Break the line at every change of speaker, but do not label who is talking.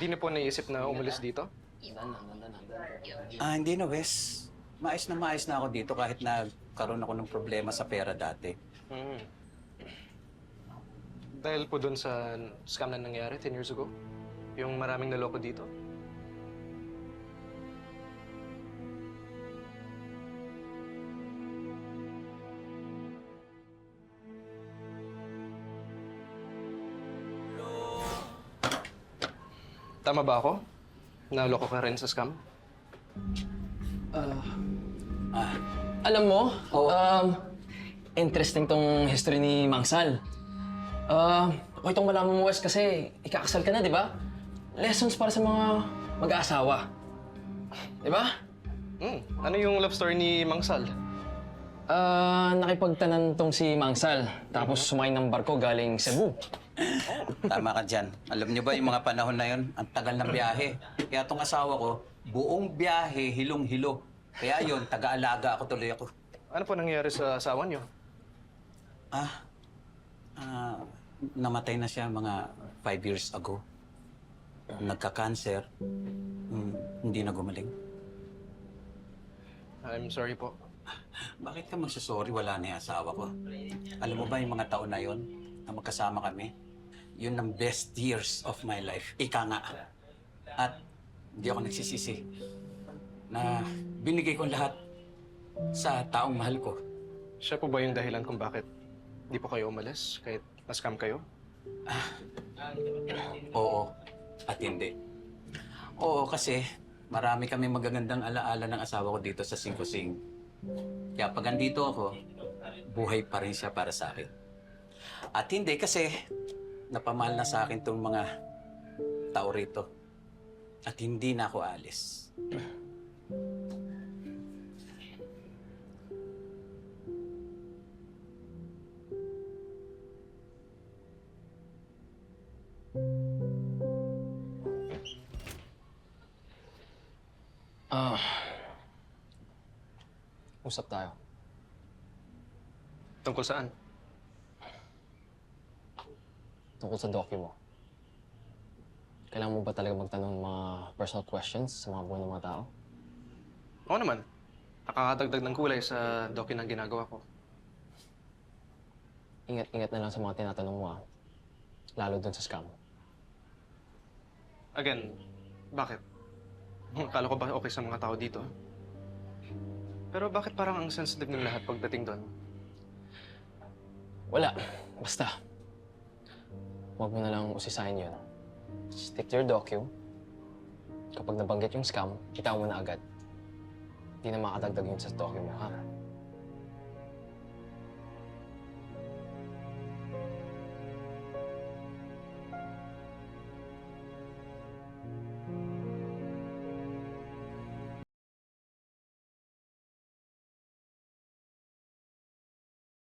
Hindi na po naisip na umalis dito?
Hindi na, Wes. Maayos na ako dito kahit nagkaroon ako ng problema sa pera dati.
Hmm. Dahil po dun sa scam na nangyari 10 years ago? Yung maraming naloko dito? Tama ba ako? Naloko ka rin sa scam?
Alam mo,
Oo.
interesting tong history ni Mang Sal. Okay itong malaman mo, Wes, kasi ikakasal ka na, di ba? Lessons para sa mga mag-aasawa. Di ba?
Ano yung love story ni Mang Sal?
Nakipagtanan tong si Mang Sal, tapos sumakay ng barko galing Cebu.
Tama ka dyan. Alam niyo ba yung mga panahon na yun, ang tagal ng biyahe. Kaya tong asawa ko, buong biyahe, hilong-hilo. Kaya yun, taga-alaga ako tuloy ako.
Ano po nangyari sa asawa niyo?
Namatay na siya mga 5 years ago. Nagka-cancer. Hindi na gumaling.
I'm sorry po.
Bakit ka magsasorry? Wala na yung asawa ko. Alam mo ba yung mga taon na yon na magkasama kami? Yun ang best years of my life. Ika nga. At hindi ako nagsisisi na binigay ko lahat sa taong mahal ko.
Siya po ba yung dahilan kung bakit di po kayo umalis kahit na-scam kayo?
Oo. At hindi. Oo, kasi marami kami magagandang alaala ng asawa ko dito sa Singkusing. Kaya pag andito ako, buhay pa rin siya para sa akin. At hindi kasi napamahal na sa akin itong mga tao rito. At hindi na ako alis.
Usap tayo.
Tungkol saan?
Tungkol sa docu mo. Kailangan mo ba talaga magtanong ng mga personal questions sa mga buhay ng mga tao?
Oo naman. Nakakadagdag ng kulay sa docu na ginagawa ko.
Ingat-ingat na lang sa mga tinatanong mo, lalo dun sa scam.
Again, bakit? Kala ko ba okay sa mga tao dito? Pero bakit parang ang sensitive ng lahat pagdating doon?
Wala. Basta. Huwag mo na lang usisahin yun. Stick to your docu. Kapag nabanggit yung scam, itawan mo na agad. Hindi na makadagdag yun sa docu mo, ha?